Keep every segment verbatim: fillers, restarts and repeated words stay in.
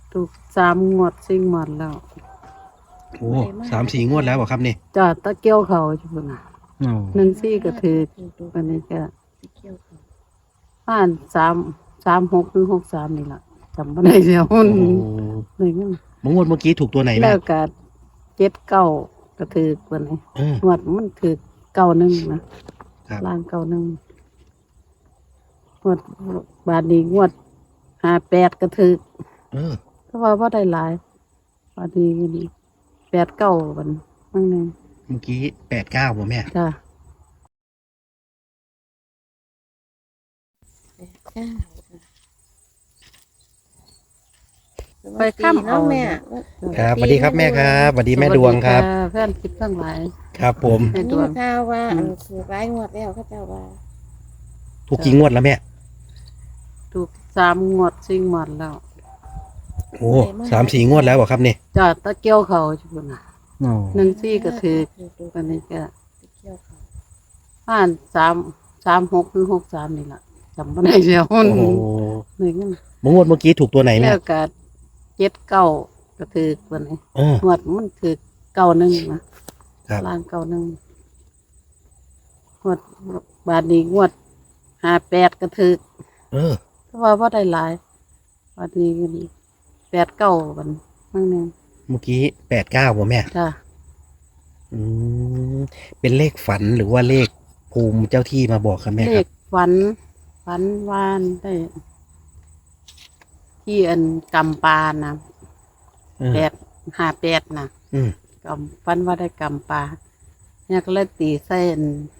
ถูกสามงวดสี่งวดแล้วโอ้สามสี่งวดแล้วเหรอครับนี่จ้าตะเกียวเขาจุ่นน่ะโอ้หนึ่งซี่ก็ถือวันนี้ก็ผ่านสามสามหกหรือหกสามนี่ล่ะจำไม่ได้แล้วโอ้เลยงั้นมงวดเมื่อกี้ถูกตัวไหนแล้แม่วก็เจ็ดเก้าก็ถือวันนี้เอองวดมันถือเก้าหนึ่งนะครับ ล่างเก้าหนึ่งงวดบาทนี้งวดห้าแปดก็ถือเออเพราะว่าว่าได้หลายบาทนี้แปดเก้าวันนั่นเองเมื่อกี้แปดเก้าป่ะแม่จ้า ไปข้ามเอาแม่ครับสวัสดีครับแม่ครับสวัสดีแม่ดวงครับสวัสดีค่ะเพื่อนคิดทั้งหลายครับผมแม่ดนี่วงข่าวว่าอือัมนคือร้ายงวดแล้วเขาเจ้าว่าถูกกี่งวดแล้วแม่ถูกสามงวดสี่งวดแล้วโอ้สามสี่งวดแล้วเหรอครับนี่จ้าตะเกียวเขาจุ่นน่ะโอ้หนึ่งซี่ก็ถือวันนี้ก็เกี่ยวเขาผ่านสามสามหกหรือหกสามนี่ล่ะจำไม่ได้แล้วโอ้โหเลยงั้นมงวดเมื่อกี้ถูกตัวไหนแม่แล้วก็เจ็ดเก้าก็ถือวันนี้เอองวดมันถือเก้าหนึ่งนะครับ ล่างเก้าหนึ่งงวดบาทนี้งวดห้าแปดก็ถือเออเพราะว่าว่าได้หลายบาทนี้ก็แปดเก้าวันนั่นเองเมื่อกี้แปดเก้าป่ะแม่จ้าอืมเป็นเลขฝันหรือว่าเลขภูมิเจ้าที่มาบอกครับแม่เลครัขบฝันฝันวานได้ ที่อันกำปานะเออแปดห้าแปดนะอืมกำฝันว่าได้กำปลาเนี่ยก็เลยตีเส้น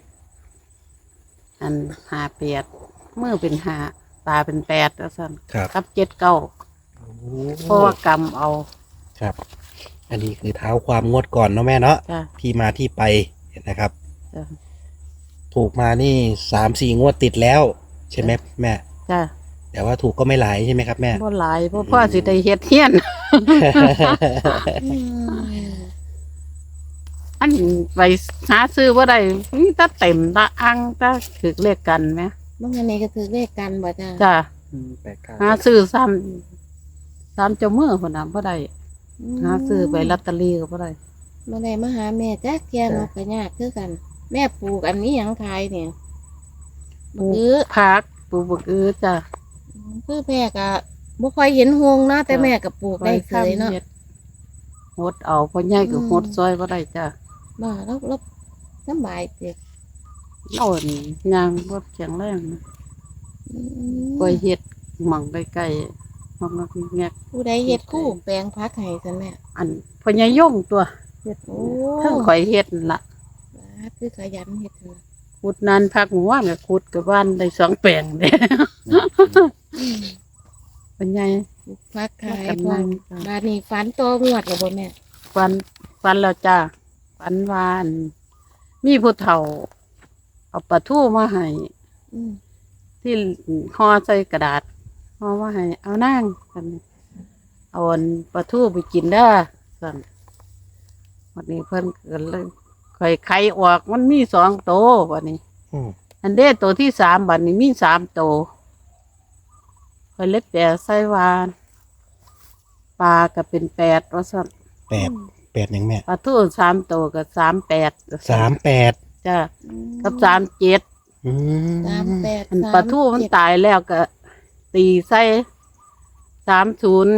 อันห้าแปดมือเป็นห้าตาเป็นแปดแล้วสั่นครับกับเจ็ดเก้าโอ้เพราะว่ากำเอาครับ อันนี้คือเท้าความงวดก่อนเนาะแม่เนาะจ้ะที่มาที่ไปนะครับจ้ะถูกมานี่สามสี่งวดติดแล้ว ใช่ไหมแม่จ้ะแต่ว่าถูกก็ไม่หลายใช่ไหมครับแม่บ่หลายเพราะพ่อสิได้เฮ็ดเฮียนอืมอันไปหาซื้อว่าได้มีแตาเต็มตาอังตาถือเลขกันไหมบางอันนี้ก็คือเลขกันบ่จ้าจ้ะแปดเก้าหาซื้อซ้ำซ้ำเจ้ามือคนน่ะบ่ได้หาซื้อไปลอตเตอรี่ก็บ่ได้มาได้มาหาแม่จ้าเกียนกก็ยากคือกัน แม่ปลูกอันนี้หยังขายเนี่ยปลูกคือผักปลูกบักอือจ้ะคือแม่ก็บ่ค่อยเห็นหงเนาะแต่แม่ก็ปลูกได้เคยเนาะฮ็ดหดเอาพ่อใหญ่ก็อืมหดซอยบ่ได้จ้ะบ่แล้วแล้วสำบายเด็กเอาอันย่างบ่แข็งแรงนะก็เฮ็ดหม่องใกล้ๆหม่องนักแงกผู้ใดเฮ็ดคู่แปลงพักให้ซั่นแม่อันพ่อใหญ่ย่งตัวเฮ็ดโอ้เทั้งข่อยเฮ็ดนั่นล่ะคือขยันเฮ็ดเถอะขุดนานพักหมู่ว่านก็ขุดกับบ้านได้สองแปลงเด้อืมพ่อใหญ่ปลูกพักขายกำพลัร้อง มจ้ะบาดนี้ฝันโตงวดแล้วบ่แม่ฟันฟันแล้วจ้าฟันวาอันมีผู้เฒ่า เอาปลาทูมาให้อืมที่ห่อใส่กระดาษห่อมาให้เอานั่งกันเอาอันปลาทูไปกินได้อสั่นวันนี้เพิ่นเกิดเลยไข่ไข่ออกมันมีสองโตววันนี้อืมอันเด้ตัวที่สามบัดนี้มีสามโตวข่อยเล็บแปดใส่วานปลาก็เป็นแปดว่าสั่นแปดแปดยังแม่ปลาทูสามโตวก็สามแปดสามแปดจ้ากับสามเจ็ดอืมสามแปดอันสามปลาทูมันเจ็ดตายแล้วก็ ตีใส่สามศูนย์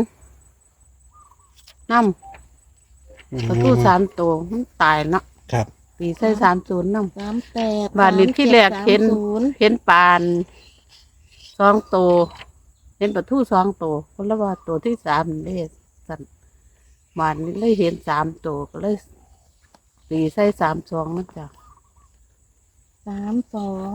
น้ำปลาทูสามตัวมันตายเนาะครับตีใส่สามศูนย์น้สามแปดำบานนี้ที่แรกเห็นสามศูนย์เห็นปานสองตัวเห็นปลาทูสองตัวคนละว่าตัวที่สามนี่สันบานนี้เลยเห็นสามตัวก็เลยตีใส่สามสองนั่นจ้ะสามสอง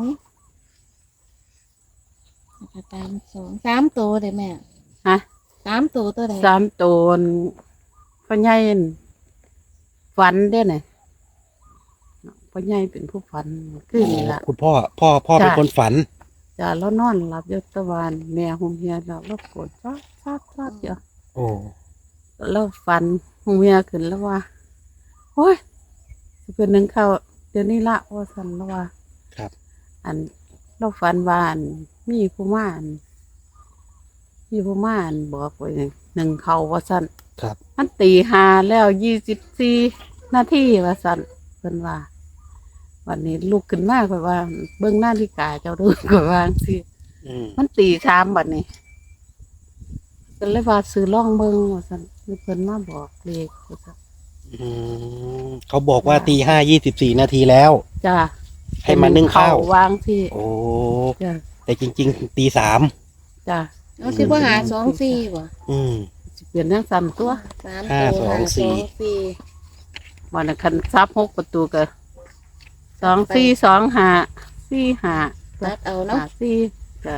แล้วก็สามสองสามตัวเลยแม่ฮะสามตัวตัวใดสามตัวพ่อใหญ่นั่นฝันได้ไหนพ่อใหญ่เป็นผู้ฝันขึ้นนี่ละคุณพ่อพ่อพ่อเป็นจ้ะคนฝันจ้าแล้วนอนหลับอยศตะวันแม่หงเฮียเราแล้วกดซัดซัดซัดเยอะโอ้แล้วฝันหงเฮียขึ้นแล้วว่าโอ้ยจะเป็นหนึ่งเข้าเดี๋ยวนี้ละว่าสันแล้วว่าครับอันเราฝันว่าอันมีผู้ม่านมีผู้ม่านบอกไว้หนึ่งเขาว่าสั่นครับมันตีหาแล้วยี่สิบสี่นาทีว่าสั่นเพิ่นว่า วันนี้ลุกขึ้นมาค่อยว่า เบิ่งนาฬิกาเจ้าดูค่อยว่าจังซี่อืมมันตีสามบัดนี้ก็เลยว่าซื้อล่องเบิ่งว่าซั่นมีเพิ่นมาบอกเลขว่าซั่นอืมเขาบอกว่าตีห้ายี่สิบสี่นาทีแล้วจ้าให้มานึ่งข้าววางที่โอ้จ้าแต่จริงๆตีสามจ้าเอาสิบ่หาสองสี่บ่อืมสิเปลี่ยนจังซั่นตัวสามห้าตัวสองหาสี่สองสี่วันนั้นคันซับหกประตูก็สองสี่สองห้าสี่ห้าตัดเอาเนาะห้าสี่จ้า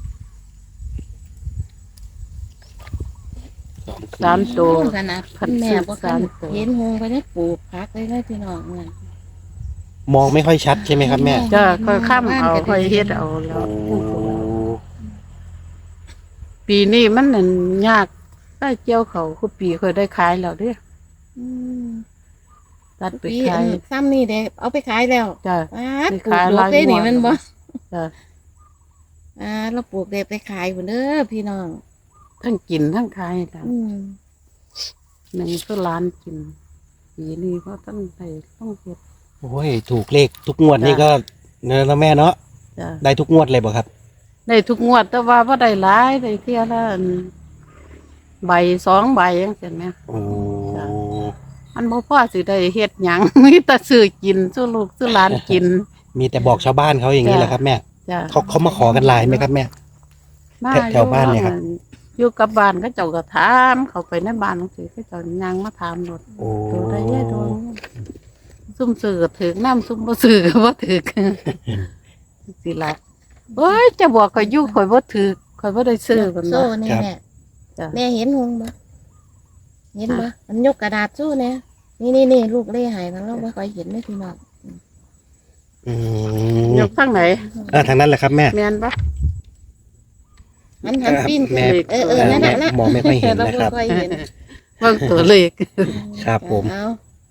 สองสามตัวขนาดพันแม่บ่สามตัวเห็นหงไปได้ปลูกพักเลยนะพี่น้องนั่นมองไม่ค่อยชัดใช่ไหมครับแม่จ้าค่อยข้ามเอาค่อยเฮ็ดเอาแล้โอ้วปีนี้มันนั่นยากได้เจียวเขาคือปีค่อยได้ขายแล้วเด้ออืมตัดไปปีขายซ้ำนี่เด้เอาไปขายแล้วจ้าอ้าไปปลูขาก ยดอกได้นี่หลายงวดมันบ่จ้าอ่าเราปลูกได้ไปขายพุ่นเด้อพี่น้องทั้งกินทั้งขายจ้ะอืมหนึ่งก็ล้านกิน ปีนี้เพราะตั้งใจต้องเฮ็ดโอ้ยถูกเลขทุกงวดนี่ก็เนอะแล้วแม่เนาะจ้าได้ทุกงวดเลยบ่ครับได้ทุกงวดแต่ว่าบ่ได้หลายได้เที่ยละอันใบสองใบจังซี่แหมโอ้จ้ะ อันบ่พอสิได้เฮ็ดหยัง มีแต่ซื้อกินซื้อลูกซื้อหลานกินมีแต่บอกชาวบ้านเขาอย่างนี้แหละครับแม่จ้ะเขาเขามาขอกันหลายไหมครับแม่มาแถวบ้านเนี่ยครับอยู่กับบ้านก็เจ้าก็ถามเขาไปในบ้านจังซี่เขาเจ้ายังมาถามรถโอ้ตัวได้ยายดวงซุ่มซื้อก็ถึกน้ำซุ่มบ่ซื้อก็บ่ถึก สิล่ะโอ้ยจะบอกข่อยอยู่ข่อยบ่ถึกข่อยบ่ได้ซื้อเพิ่นโซ่ว่านี่แม่จ้ะแม่เห็นหงบ่เห็นบ่มันยกกระดาษสู้เนี่ยนี่นี่นี่ลูกเล่หายมันเราไม่ค่อยเห็นเลยพี่น้องอืมยกทางไหนเออทางนั้นแหละครับแม่แม่นบ่หันหันปิ้นแม่เออเออนั่นแม่น่ะนะมองไม่ค่อยเห็นเรานะครับไม่ค่อยเห็นเบิ่งตัวเลขครับผมเอา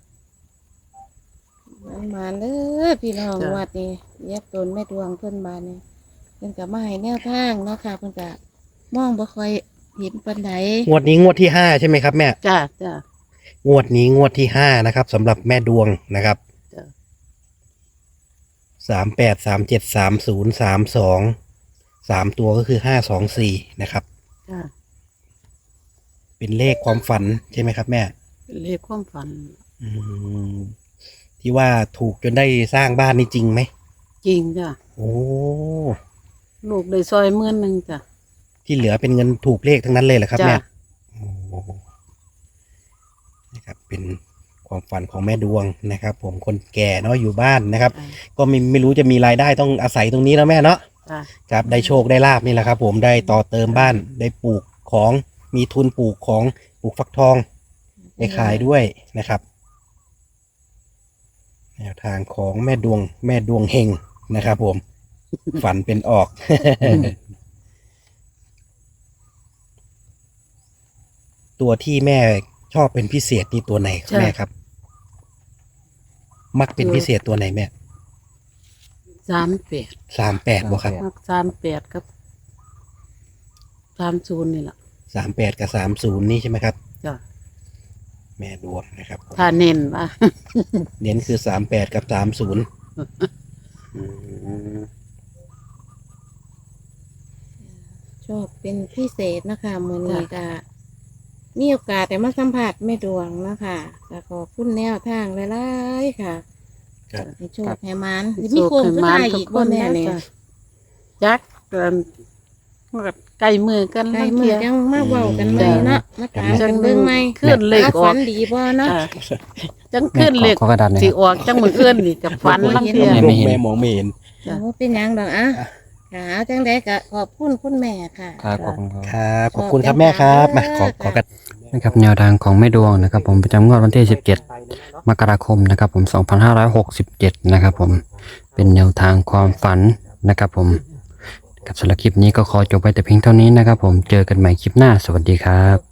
มันมาเลยพี่น้องจ้ะวัดนี้เย็บตนแม่ดวงเพิ่นบานนี่เพิ่นก็มาให้แนวทางเนาะค่ะเพิ่นก็มองบ่ค่อยเห็นปานใดงวดนี้งวดที่ห้าใช่ไหมครับแม่จ้าจ้างวดนี้งวดที่ห้านะครับสำหรับแม่ดวงนะครับจ้ะสามแปดสามเจ็ดสามศูนย์สามสองสามตัวก็คือห้าสองสี่นะครับจ้าเป็นเลขความฝันใช่ไหมครับแม่เลขความฝันอืมที่ว่าถูกจนได้สร้างบ้านนี่จริงไหมจริงจ้ะโอ้ลูกได้ซอยหมื่นหนึงจ้ะที่เหลือเป็นเงินถูกเลขทั้งนั้นเลยเหรอครับจ้ะแม่โอ้นะครับเป็นความฝันของแม่ดวงนะครับ ผมคนแก่เนาะอยู่บ้านนะครับจ้ะก็ไม่ไม่รู้จะมีรายได้ต้องอาศัยตรงนี้แล้วแม่เนาะจ้ะครับได้โชคได้ลาบนี่แหละครับ ผมได้ต่อเติมบ้านได้ปลูกของมีทุนปลูกของปลูกฟักทองได้ขายด้วยนะครับแนวทางของแม่ดวงแม่ดวงเฮงนะครับ ผม ฝันเป็นออก ตัวที่แม่ชอบเป็นพิเศษนี่ตัวไหนครับแม่ครับ มักเป็นพิเศษตัวไหนแม่สามแปดสามแปดบ่ครับมักสามแปดกับสามศูนย์นี่ล่ะสามแปดกับสามศูนย์นี่ใช่ไหมครับจ้ะแม่ดวงนะครับถ้าเน้นว่าเน้นคือสามแปดกับสามศูนย์ชอบเป็นพิเศษนะคะมื้อนี้ก็มีโอกาสแต่มาสัมผัสแม่ดวงนะคะก็ขอบคุณแนวทางหลายๆค่ะครับให้โชคให้มันมีโค้งสุดท้ายอีกบ่แม่เนี่ยจักเกินใกล้มือกันไกลบางมืเทีอย ยังมาเว้ากันใหม่เนาะมาถามจักันงเบิ่งใหม่ขึ้นเลขอฝัอกนดีบ่เนาะจ้ะจังขึ้นเลขขอกระดาษหน่อยสิครับออกจังมืออื่นนี่กับฝันบางเทียแม่ไม่เห็นแม่มองไม่เห็นจ้ะโอ้เป็นหยังดอกอ่ะค่ะเอาจังได๋ก็ขอบคุณคุณแม่ค่ะครับขอบคุณครับครับขอบคุณครับแม่ครับมาขอขอกันนะครับแนวทางของแม่ดวงนะครับผมประจำงวดวันที่สิบเจ็ดมกราคมนะครับผมสองพันห้าร้อยหกสิบเจ็ดนะครับผมเป็นแนวทางความฝันนะครับผมกับสำหรับคลิปนี้ก็ขอจบไปแต่เพียงเท่านี้นะครับผมเจอกันใหม่คลิปหน้าสวัสดีครับ